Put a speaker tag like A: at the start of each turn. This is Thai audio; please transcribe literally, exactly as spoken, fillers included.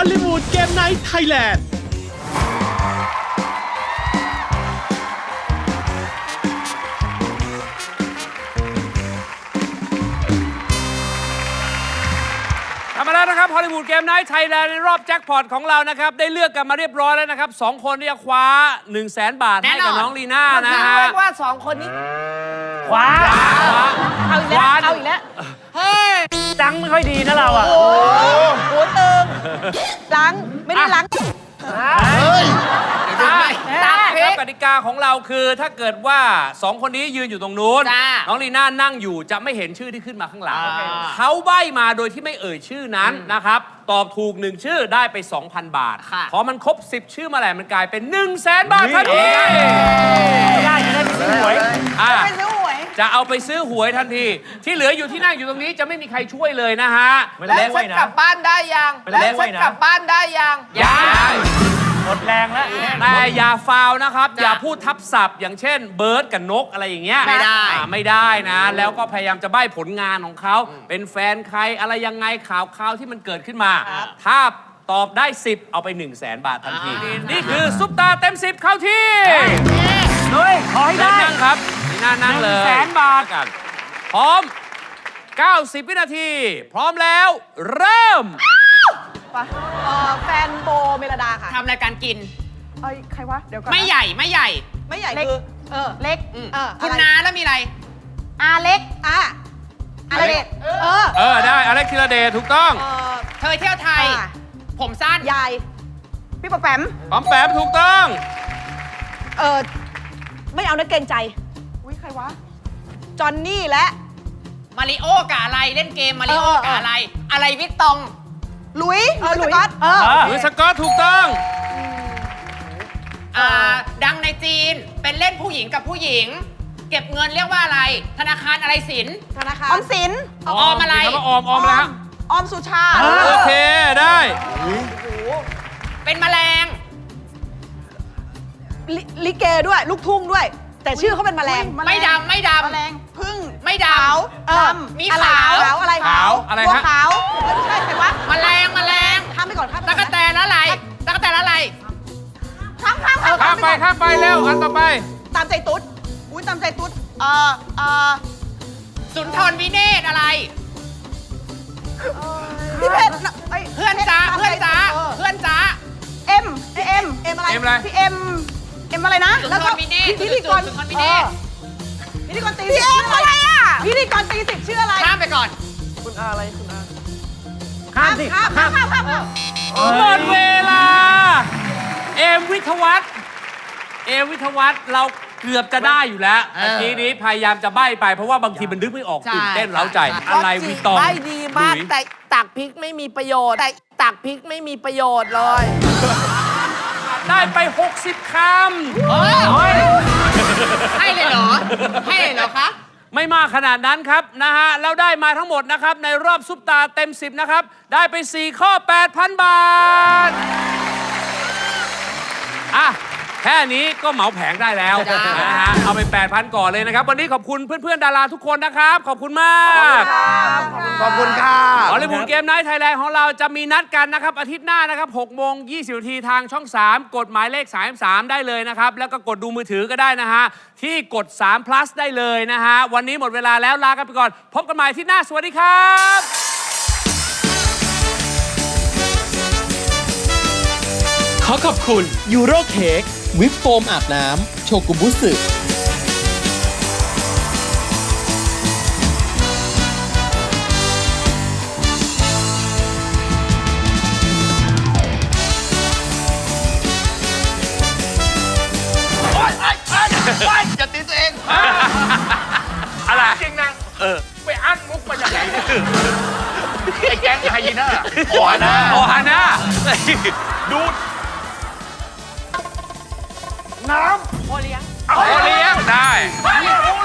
A: ลลีวูดเกมไนท์ไทยแลนด์
B: มาแล้วนะครับฮอลลีวูดเกมไนท์ไทยแลนด์ในรอบแจ็คพอตของเรานะครับได้เลือกกันมาเรียบร้อยแล้วนะครับสองคนที่จะคว้า หนึ่งแสน บาทให้กับน้องลีน่านะฮะ
C: เรียกว่าสองคนนี้
B: คว้า
C: เอาอีกแล้วเอาอีกแล้วเฮ้ย
D: จังไม่ค่อยดีนะเราอ่ะ
C: โอ้โหตึงล้างไม่ได้ล้าง
B: เฮ้ย
C: ตักพริ
B: แล้ว
C: ก
B: กติกาของเราคือถ้าเกิดว่าสองคนนี้ยืนอยู่ตรงนู้น
C: จ้า
B: น้องลีน่านั่งอยู่จะไม่เห็นชื่อที่ขึ้นมาข้างหลังเขาใบ้มาโดยที่ไม่เอ่ยชื่อนั้นนะครับตอบถูกหนึ่งชื่อได้ไป สองพัน บาทพอมันครบสิบชื่อมาแล้วมันกลายเป็น หนึ่งแสน บาททันที
D: ได้จะได้ไปซื้อหวย
B: อ่ะ
C: ไปซื้อหวย
B: จะเอาไปซื้อหวยทันที ที่เหลืออยู่ที่นั่งอยู่ตรงนี้จะไม่มีใครช่วยเลยนะฮะ
C: แล้วฉันกลับบ้านได้ยัง
D: ไปแล้
C: แล้ว
D: ว
C: ฉันกลับบ้านได้ยัง
B: ยัง
D: หมดแรงแล้ว
B: แต่อย่าฟาวนะครับ อย่าพูดทับศัพท์ อย่างเช่นเบิร์ดกับนกอะไรอย่างเงี้ย
C: ไม่ได้
B: อ่าไม่ได้นะ แล้วก็พยายามจะใบ้ผลงานของเขา เป็นแฟนใครอะไรยังไงข่าวข่าวที่มันเกิดขึ้นมา ถ้าตอบได้ สิบ เอาไป หนึ่งแสน บาททันที นี่คือซุปตาเต็ม สิบ เข้าที่
D: เฮ้ย ขอให้ได้
B: นั่งครับนี่น่านั่งเลย
D: หนึ่งแสนบาท
B: กันพร้อม เก้าสิบ วินาที พร้อมแล้ว เริ่ม
C: เอ่อแฟนโบเมลดาค่ะ
E: ทำรายการกิน
C: เอ้ยใครวะเดี๋ยวก่อนนะ
E: ไม่ใหญ่ไม่ใหญ่
C: ไม่ใหญ่คือเออเล็กเออ
E: คุณ
C: อะไร
E: น้าแล้วมีอะไร
C: อาเล็กอ่ะอะไรเด็กเออ
B: เออ ได้อเล็กธีรเดชถูกต้อง
C: เออ
E: เธอเที่ยวไทย
C: อ่ะ
E: ผมสั้น
C: ยายพี่ปะแปม
B: ปอมแปมถูกต้อง
C: เออไม่เอานะเกรงใจอุ้ยใครวะจอนนี่และ
E: มาริโอกับอะไรเล่นเกมมาริโอ
C: เออเออ
E: กับอะไร อะไรวิตตอง
C: ลุยเออลุยสก๊อตเออ
B: หรือสกอตถูกต้อง
E: อ่าดังในจีนเป็นเล่นผู้หญิงกับผู้หญิง เก็บเงินเรียกว่าอะไร ธนาคารอะไรสิน
C: ธนาคารออมสิน
E: ออมอะไร
B: มีคำว่าออมออมแล้ว
C: ออมสุชา
B: โอเค ได้
E: เป็นแมลง
C: ลิลิเกด้วย ลูกทุ่งด้วย แต่ชื่อเขาเป็นแมลง
E: ไม่ดำไม่ดำ
C: แมลงพึ่ง
E: ไม่ด
C: เออ
E: ำมี
C: อะไร
E: ขาว
C: ขาวอะไร
B: ขาวอะไร
C: บัว
B: ฮะ
C: ขาวไม่ใช่ใครวะ
E: แมลงแมลง
C: ข้ามไปก่อนข้ามไป
E: ตะ
C: ก่
E: ก
C: อน
E: แตนอะไรตะกแตนอะไร
C: ข้ามข้าม
B: ข้ามไปข้ามไปเร็วอันต่อไป
C: ตามใจตุ๊ดอุ้ยตามใจตุ๊ดเอ่อเอ่อ
E: สุนทรวิเนศอะไร
C: พี่เพชรไย
E: เพื่อนจ้า
C: พชร
E: เพื่อนจ้า
C: เออ
E: เพื่อนจ้า
C: เอ็มเอ็มเอ็มอะไร
B: เอ็มอะไร
C: พี่เอ็มเอ็มอะไรนะ
E: สุนทร
C: แล้วก็
E: วิเนศ
C: พิธีกร
E: สุนทรวิเนศ
C: ออพิธีกรตีสิบชื่ออะไรอ่ะพิธีกรตีสิบชื่ออะไร
E: ข้ามไปก่อน
D: ข้ามสิ
C: ข้ามข้ามข้ามข้ามข้าม
B: หมดเวลา เอมวิทยวัฒน์เอมวิทยวัฒน์เราเกือบจะได้อยู่แล้ว
E: เออ
B: เมื่อกี้นี้พยายามจะใบ้ไปเพราะว่าบางทีมันนึกไม่ออก
E: ใช่
B: ตื่นเต้นเร้าใจ
E: ใช่
B: อะไรวิตอง
F: ได้ดีมาก
B: หลุย
F: แต่ตักพริกไม่มีประโยชน์ แต่ตักพริกไม่มีประโยชน์เลย
B: ได้ไป หกสิบ คำ
E: เออให้เลยเหรอ ให้เลยเหรอคะ
B: ไม่มากขนาดนั้นครับนะฮะแล้วได้มาทั้งหมดนะครับในรอบซุปตาเต็ม สิบ นะครับ ได้ไป สี่ ข้อ แปดพัน บาท อ่ะ แค่นี้ก็เหมาแผงได้แล้ว
E: จ้าน
B: นะฮะเอาไป แปดพัน ก่อนเลยนะครับ วันนี้ขอบคุณเพื่อนๆ ดาราทุกคนนะครับ ขอบคุณมาก
F: ขอบคุณค่ะ
B: ฮอลลีวูดเกมไนท์ไทยแลนด์ของเราจะมีนัดกันนะครับ อาทิตย์หน้านะครับหกโมงยี่สิบนาทีทางช่อง สาม กดหมายเลขสามสิบสามได้เลยนะครับ แล้วก็กดดูมือถือก็ได้นะฮะ ที่กดสาม plus ได้เลยนะฮะ วันนี้หมดเวลาแล้วลากันไปก่อน พบกันใหม่อาที่หน้า สวัสดีครับ
A: ขอขอบคุณยูโรเค้กวิปโฟมอาบน้ำโชกุบุสึ
F: จะตีตัวเอง
B: อะไร
F: จริงนะ เออ ไปอั้นมุกมาจากไหนเนี่ยไอ้แก๊งไฮยีน่าโอ้นะ
B: โอฮาน่า
F: ดูด น้ำ
B: โอเลี้ยงได้
F: โอ้